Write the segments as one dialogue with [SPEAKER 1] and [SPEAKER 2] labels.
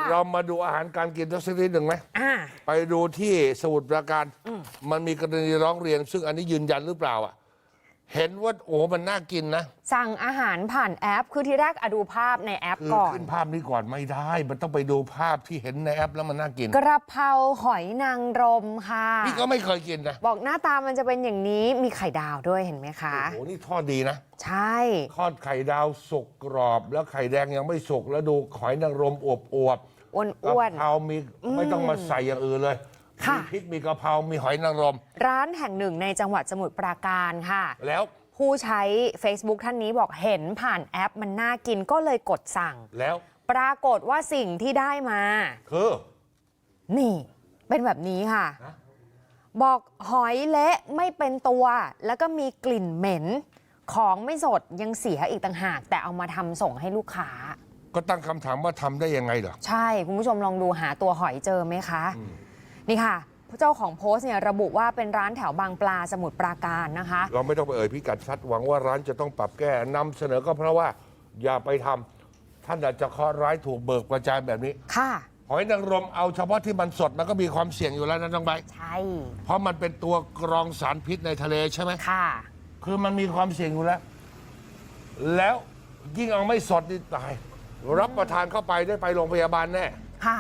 [SPEAKER 1] เรามาดูอาหารการกินสักนิดหนึ่งไหมไปดูที่สมุทรปราการมันมีกรณีร้องเรียนซึ่งอันนี้ยืนยันหรือเปล่าเห็นว่าโอ้มันน่ากินนะ
[SPEAKER 2] สั่งอาหารผ่านแอปคือทีแรกดูภาพในแอปก่อน
[SPEAKER 1] ขึ้นภาพนี้ก่อนไม่ได้มันต้องไปดูภาพที่เห็นในแอปแล้วมันน่ากิน
[SPEAKER 2] กระเพราหอยนางรมค่ะ
[SPEAKER 1] นี่ก็ไม่เคยกินนะ
[SPEAKER 2] บอกหน้าตามันจะเป็นอย่างนี้มีไข่ดาวด้วยเห็นไหมคะ
[SPEAKER 1] โอ้โหนี่ทอดดีนะ
[SPEAKER 2] ใช่
[SPEAKER 1] ทอดไข่ดาวสุกกรอบแล้วไข่แดงยังไม่สุกแล้วดูหอยนางรมอวบ
[SPEAKER 2] อ้วน
[SPEAKER 1] กะเพรามีไม่ต้องมาใส่อย่างอื่นเลยมีพริกมีกะเพรามีหอยนางรม
[SPEAKER 2] ร้านแห่งหนึ่งในจังหวัดสมุทรปราการค่ะ
[SPEAKER 1] แล้ว
[SPEAKER 2] ผู้ใช้ Facebook ท่านนี้บอกเห็นผ่านแอปมันน่ากินก็เลยกดสั่ง
[SPEAKER 1] แล้ว
[SPEAKER 2] ปรากฏว่าสิ่งที่ได้มา
[SPEAKER 1] คือ
[SPEAKER 2] นี่เป็นแบบนี้ค่ะบอกหอยเละไม่เป็นตัวแล้วก็มีกลิ่นเหม็นของไม่สดยังเสียอีกต่างหากแต่เอามาทำส่งให้ลูกค้า
[SPEAKER 1] ก็ตั้งคำถามว่าทำได้ยังไงเหรอ
[SPEAKER 2] ใช่คุณผู้ชมลองดูหาตัวหอยเจอไหมคะนี่ค่ะเจ้าของโพสต์เนี่ยระบุว่าเป็นร้านแถวบางปลาสมุทรปราการนะคะ
[SPEAKER 1] เราไม่ต้องไปเอ่ยพิกัดชัดหวังว่าร้านจะต้องปรับแก้นำเสนอก็เพราะว่าอย่าไปทำท่านอาจจะเคราะห์ร้ายถูกเบิกประจานแบบนี้
[SPEAKER 2] ค่ะ
[SPEAKER 1] หอยนางรมเอาเฉพาะที่มันสดมันก็มีความเสี่ยงอยู่แล้วนะน้องใบ
[SPEAKER 2] ใช่
[SPEAKER 1] เพราะมันเป็นตัวกรองสารพิษในทะเลใช่ไหม
[SPEAKER 2] ค่ะ
[SPEAKER 1] คือมันมีความเสี่ยงอยู่แล้วยิ่งเอาไม่สดนี่ตายรับประทานเข้าไปได้ไปโรงพยาบาลแน่
[SPEAKER 2] ค่ะ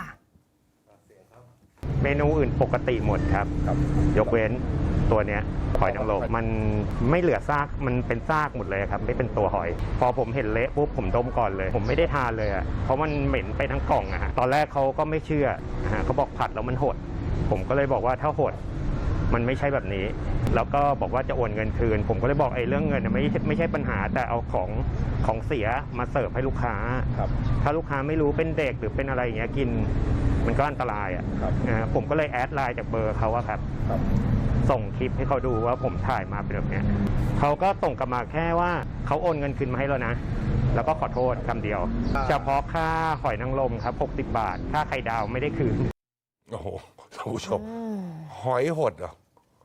[SPEAKER 3] เมนูอื่นปกติหมดครับยกเว้นตัวเนี้ยหอยนางรมมันไม่เหลือซากมันเป็นซากหมดเลยครับไม่เป็นตัวหอยพอผมเห็นเละปุ๊บผมดมก่อนเลยผมไม่ได้ทานเลยเพราะมันเหม็นไปทั้งกล่องอะฮะตอนแรกเขาก็ไม่เชื่อเขาบอกผัดแล้วมันหดผมก็เลยบอกว่าถ้าหดมันไม่ใช่แบบนี้แล้วก็บอกว่าจะโอนเงินคืนผมก็เลยบอกเรื่องเงินไม่ใช่ปัญหาแต่เอาของเสียมาเสิร์ฟให้ลูกค้าถ้าลูกค้าไม่รู้เป็นเด็กหรือเป็นอะไรอย่างเงี้ยกินมันก็อันตรายผมก็เลยแอดไลน์จากเบอร์เขาครับส่งคลิปให้เขาดูว่าผมถ่ายมาเป็นแบบนี้เขาก็ส่งกลับมาแค่ว่าเขาโอนเงินคืนมาให้แล้วนะแล้วก็ขอโทษคำเดียวเฉพาะค่าหอยนางรมครับ60 บาทค่าไข่ดาวไม่ได้คืน
[SPEAKER 1] โอ้โหท่านผู้ชมหอยหดเหรอ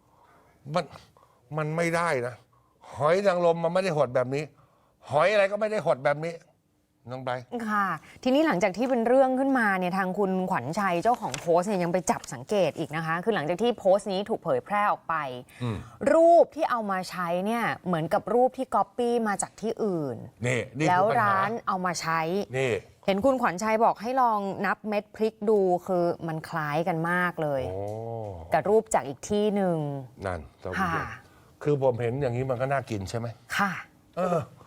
[SPEAKER 1] มันไม่ได้นะหอยนางรมมันไม่ได้หดแบบนี้หอยอะไรก็ไม่ได้หดแบบนี้น้องใบ
[SPEAKER 2] ค่ะทีนี้หลังจากที่เป็นเรื่องขึ้นมาเนี่ยทางคุณขวัญชัยเจ้าของโพสต์เนี่ยยังไปจับสังเกตอีกนะคะคือหลังจากที่โพสต์นี้ถูกเผยแพร่ออกไปรูปที่เอามาใช้เนี่ยเหมือนกับรูปที่ก๊อปปี้มาจากที่อื่น
[SPEAKER 1] นี่
[SPEAKER 2] แล้วร้านเอามาใช้
[SPEAKER 1] นี่
[SPEAKER 2] เห็นคุณขวัญชัยบอกให้ลองนับเม็ดพริกดูคือมันคล้ายกันมากเลยแต่รูปจากอีกที่หนึ่ง
[SPEAKER 1] นั่นคือผมเห็นอย่างนี้มันก็น่ากินใช่ไหม
[SPEAKER 2] ค่ะ